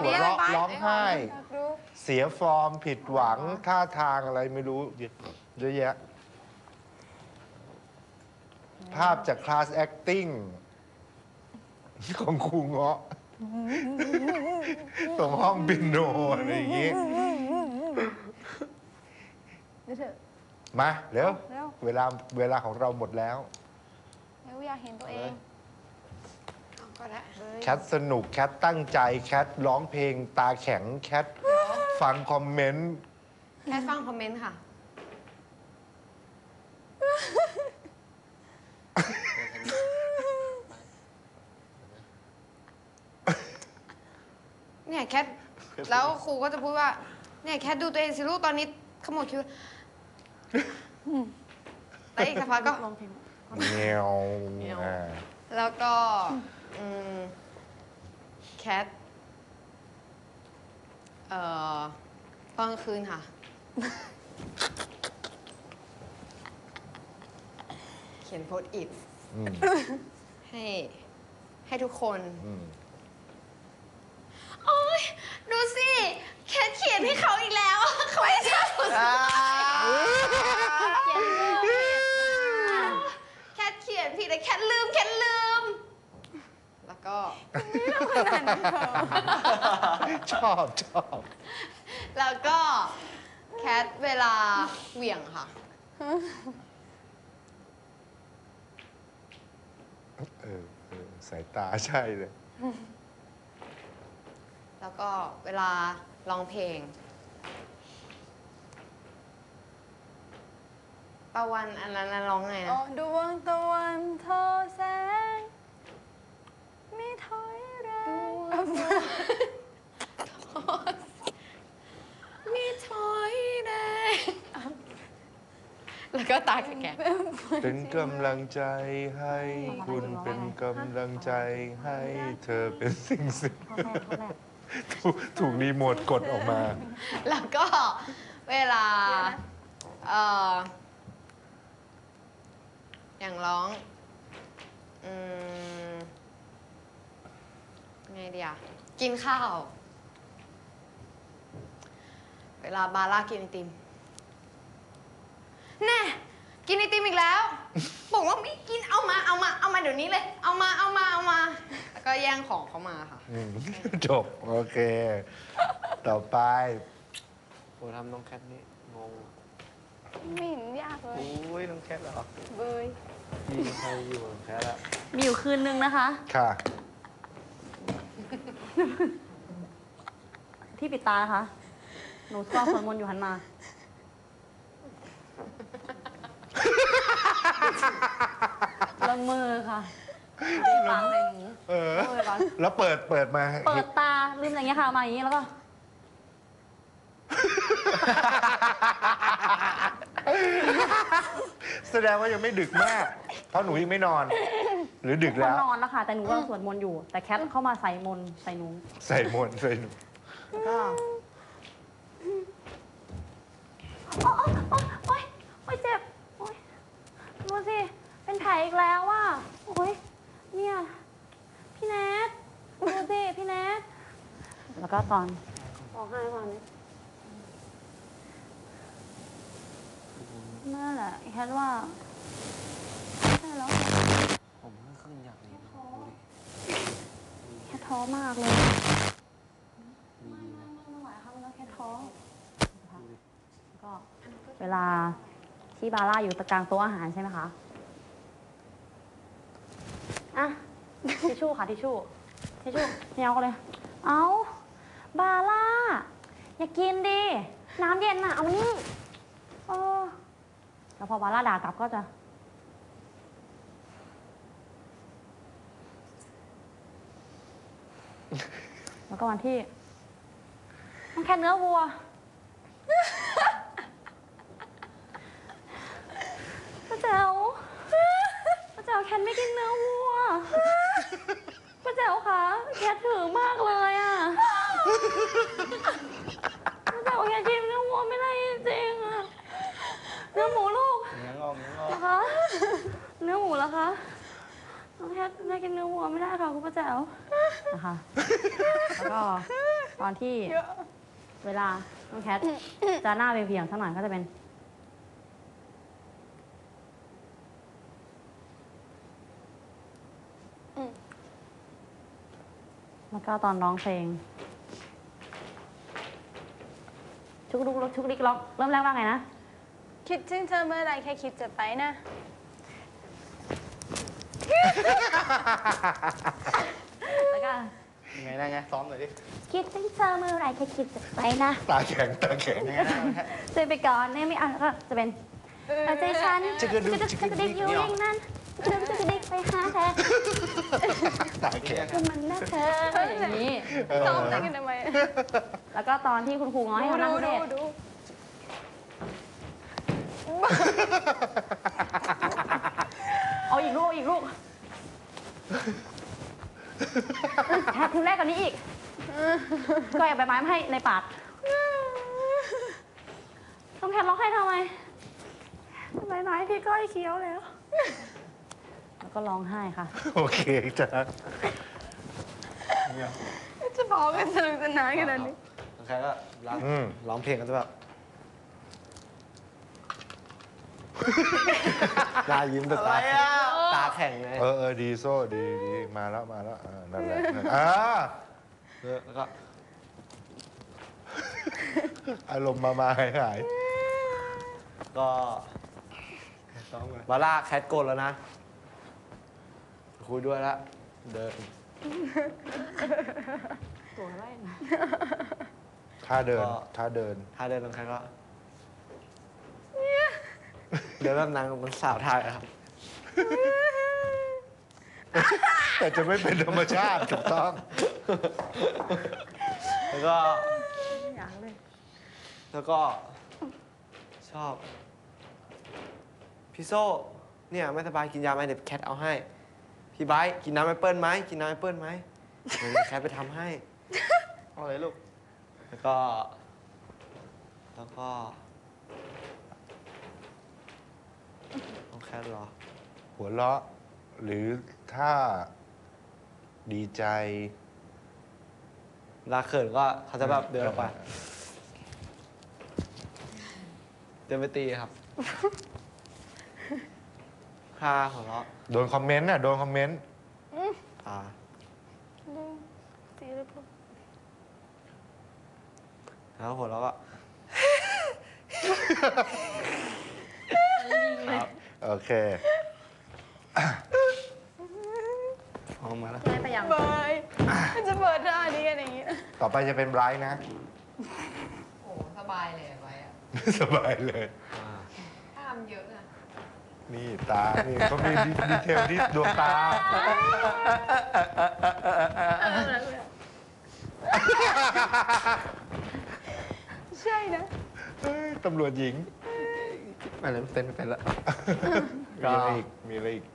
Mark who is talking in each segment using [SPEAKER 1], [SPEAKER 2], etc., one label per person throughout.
[SPEAKER 1] หัวเราะร้องไห้ เสียฟอร์มผิดหวังท่าทางอะไรไม่รู้เยอะแยะ ภาพจากคลาส acting ของครูเงาะตรงห้องปิโนอะไรอย่างงี้มาเร็วเวลาของเราหมดแล้ว
[SPEAKER 2] อยากเห็นตัวเอง
[SPEAKER 1] แคทสนุกแคทตั้งใจแคทร้องเพลงตาแข็งแคทฟังคอมเมนต์
[SPEAKER 3] แคทฟังคอมเมนต์ค่ะเนี่ยแคทแล้วครูก็จะพูดว่าเนี่ยแคทดูตัวเองสิลูกตอนนี้ขมวดคิ้วแล้วอีกสักพักก็
[SPEAKER 1] เงี้ยว
[SPEAKER 3] แล้วก็แคทตอนกลางคืนค่ะเขียนโพสต์อิทให้ทุกคนโอ๊ยดูสิแคทเขียนให้เขาอีกแล้วเขาไม่ชอบแคทเขียนผิดแต่แคทลืมแล้วก็
[SPEAKER 1] ชอบ
[SPEAKER 3] แล้วก็แคทเวลาเหวี่ยงค่ะ
[SPEAKER 1] สายตาใช่เลย
[SPEAKER 3] แล้วก็เวลาร้องเพลงตะวันอันนั้นร้องไงนะ
[SPEAKER 2] ดวงตะวันทอแสงไม่ถอยแรง
[SPEAKER 3] มีถอยแดงแล้วก็ตาแข็ง
[SPEAKER 1] เป็นกำลังใจให้คุณเป็นกำลังใจให้เธอเป็นสิ่งถูกรีโมทกดออกมา
[SPEAKER 3] แล้วก็เวลาอย่างร้องไงเดียกินข้าวเวลาบาร่ากินไอติมแน่กินไอติมอีกแล้วบอกว่าไม่กินเอามาเดี๋ยวนี้เลยเอามาแล้วก็แย่งของเขามาค่ะ
[SPEAKER 1] จบโอเคต่อไป
[SPEAKER 4] โอ้ทำน้องแคทนี่งง
[SPEAKER 2] ไม่เห็นยากเลย
[SPEAKER 4] โอ้ยน้องแคทเหรอ
[SPEAKER 2] เบย
[SPEAKER 4] มีใครอยู่แคทละ
[SPEAKER 2] มีอยู่คืนนึงนะคะ
[SPEAKER 1] ค่ะ
[SPEAKER 2] ที่ปิดตานะคะหนูท่องสวดมนต์อยู่หันมาละเมอค่ะฟังอะไรหนู
[SPEAKER 1] แล้วเปิดมา
[SPEAKER 2] เปิดตาลืมอย่างเงี้ยค่ะมาอย่างงี้แล้วก็
[SPEAKER 1] แสดงว่ายังไม่ดึกมากเพราะหนูยังไม่นอนหรือดึกแล้ว
[SPEAKER 2] นอนแล้วค่ะแต่หนูกำลังสวดมนต์อยู่แต่แคทเข้ามาใส่มนต์ใส่หนู
[SPEAKER 1] ใส่มนต์ใส่หนู
[SPEAKER 2] ก็โอ๊ยเจ็บโอ๊ยดูสิเป็นแผลอีกแล้วอ่ะโอ๊ยเนี่ยพี่แนทดูสิพี่แนทแล้วก็ตอนร้องไห้ตอนนี้นั่นแหละแคทว่าใช่แล้ว
[SPEAKER 4] ผมขึ้นอยากนี้
[SPEAKER 2] แค่ท้อมากเลยไม่ไหวค่ะมันแค่ท้อก็เวลาที่บาร่าอยู่ตะกลางโต๊ะอาหารใช่ไหมคะอ่ะทิชชู่ค่ะทิชชู่เนี่ยเอาเลยเอาบาร่าอย่ากินดิน้ำเย็นน่ะเอามานี่แล้วพอบาร่าด่ากลับก็จะแล้วก็วันที่มันแค่เนื้อวัวป้าแจ๋วแคนไม่กินเนื้อวัวป้าแจ๋วคะแคทถือมากเลยอ่ะป้าแจ๋วแคทกินเนื้อวัวไม่ได้จริงอ่ะเนื้อหมูลูก
[SPEAKER 4] เนื้องอก
[SPEAKER 2] นะคะเนื้อหมูเหรอคะน้องแคทกินเนื้อวัวไม่ได้ค่ะคุณป้าแจ๋วนะคะแล้วก็ตอนที่เวลาน้องแคทจะหน้าเวียงๆสักหน่อยก็จะเป็น แล้วก็ตอนร้องเพลง ชุกลุกลุกชุกลิกล็อกเริ่มแรกว่าไงนะ
[SPEAKER 5] คิดถึงเธอเมื่อไรแค่คิดจะไปนะ
[SPEAKER 2] แล้วก็
[SPEAKER 4] ไงนะไงซ้อมหน่อยดิ
[SPEAKER 2] คิดถึงเธอเมื่อไหรแค่คิดจะไปนะ
[SPEAKER 1] ตาแข็งตาแข็ง
[SPEAKER 4] ไงนะแค่
[SPEAKER 2] เจอไปก่อนเนี่ยไม่อ่ะแล้วก็จะเป็นเอาใจฉัน
[SPEAKER 1] จะกระดุก
[SPEAKER 2] จะกระดิกอยู่อย่างนั้นจะกระดิกไปหาเธอ
[SPEAKER 1] ตาแข็ง
[SPEAKER 2] คือมันน่าเธออย่างนี้
[SPEAKER 5] ซ้อมเต้นกันทำไม
[SPEAKER 2] แล้วก็ตอนที่คุณครูง้อให้เขานั่งเทศ
[SPEAKER 5] ดู
[SPEAKER 2] เอาอีกลูกอีกลูกแค่ถึงแรกกว่านี้อีกก็อย่าไปไม้มาให้ในปากต้องแคทร้องให้ทำไมไหนๆพี่ก้อยเคี้ยวแล้ว แล้วก็ร้องไห้ค่ะ
[SPEAKER 1] โอเคจ้ะ
[SPEAKER 5] จะพอกันสนุกสนานขนาดนี้
[SPEAKER 4] น้องแคทก็ร้องเพลงกันจะแบบตายิ้มแต่ตาแข็งเลย
[SPEAKER 1] ดีโซ่ดีมาแล้วนั่นแหละ
[SPEAKER 4] แล้วก็
[SPEAKER 1] อารมณ์มาหาย
[SPEAKER 4] ก็บาร่าแคทโกนแล้วนะ คุยด้วยละเดิน
[SPEAKER 2] ตัวอะไรนะ
[SPEAKER 1] ท่าเดิน
[SPEAKER 4] ถ้าเดินน้องแคทก็เดินแบบนางมันสาวไทยอะครับ
[SPEAKER 1] แต่จะไม่เป็นธรรมชาติถูกต้อง
[SPEAKER 4] แล้วก็
[SPEAKER 2] อยากเลย
[SPEAKER 4] แล้วก็ชอบ พี่โซ่เนี่ยไม่สบายกินยาไหมเดี๋ยวแคทเอาให้ พี่ไบร์ทกินน้ำแอปเปิ้ลไหมกินน้ำแอปเปิ้ลไหมเดี๋ยวแคทไปทำให้เอาเลยลูก แล้วก็น้องแคทเหรอ
[SPEAKER 1] หัวเราะ หรือถ้าดีใจ
[SPEAKER 4] เวลาเขินก็เขาจะแบบเดินออกไปเดินไปตีครับค่าหัวเราะ
[SPEAKER 1] โดนคอมเมนต์โดนคอมเมนต์
[SPEAKER 4] อ่า
[SPEAKER 5] ตีหรือเปล่า
[SPEAKER 4] แล้วหัวเราะก็ ครับ
[SPEAKER 1] โอเค
[SPEAKER 4] ออกมาแล้ว
[SPEAKER 2] ได้ไปยัง
[SPEAKER 5] เบยมันจะเปิดท่านี้กันอย่างนี้
[SPEAKER 1] ต่อไปจะเป็นไบรท์นะ
[SPEAKER 3] โอ้สบายเลยไว้อะ
[SPEAKER 1] สบายเลย
[SPEAKER 3] ถ้าทำเยอะอะ
[SPEAKER 1] นี่ตา นี่เขามีดีเทลที่ดวงตา
[SPEAKER 5] ใช่นะ
[SPEAKER 1] เฮ้ยตำรวจหญิง
[SPEAKER 4] อะไรไม่เป็นละ
[SPEAKER 1] มีอะไรอีก มีอะไรอีก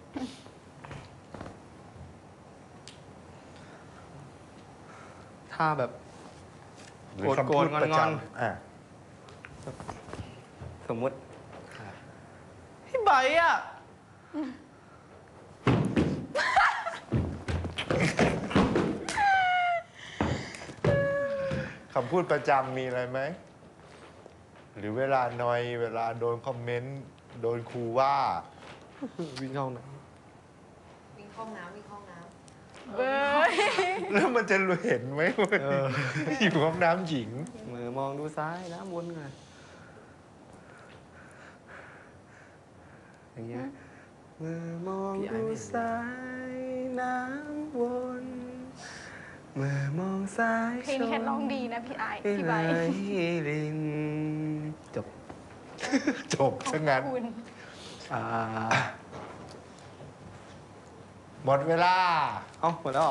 [SPEAKER 4] ถ้าแบบ
[SPEAKER 1] หรือคำพูดประจ
[SPEAKER 4] งอน
[SPEAKER 1] ำอ่ะ
[SPEAKER 4] สมมุติพี่ใบร์ทอ่ะ
[SPEAKER 1] คำพูดประจำมีอะไรไหม หรือเวลานอย เวลาโดนคอมเมนต์ โดนครูว่า
[SPEAKER 4] วิ่งเข้านะ
[SPEAKER 3] วิ่งเข้าน้ำวิ่งเข้าน้
[SPEAKER 5] เบย
[SPEAKER 1] แล้วมันจะเห็นไหมว่าอยู่ห้องน้ำหญิง
[SPEAKER 4] มือมองดูซ้ายน้ำวนไงอย่างเงี้ยมือมองดูซ้ายน้ำวนมือมองซ้าย
[SPEAKER 5] เพลงนี้แค่ร้องดีนะพี่ไอายพี่ใบ
[SPEAKER 4] ลินจบ
[SPEAKER 1] จบซะงั้น
[SPEAKER 5] คุณ
[SPEAKER 4] อ่า
[SPEAKER 1] หมดเวลา
[SPEAKER 4] เอ้าหมดแล้วเหรอ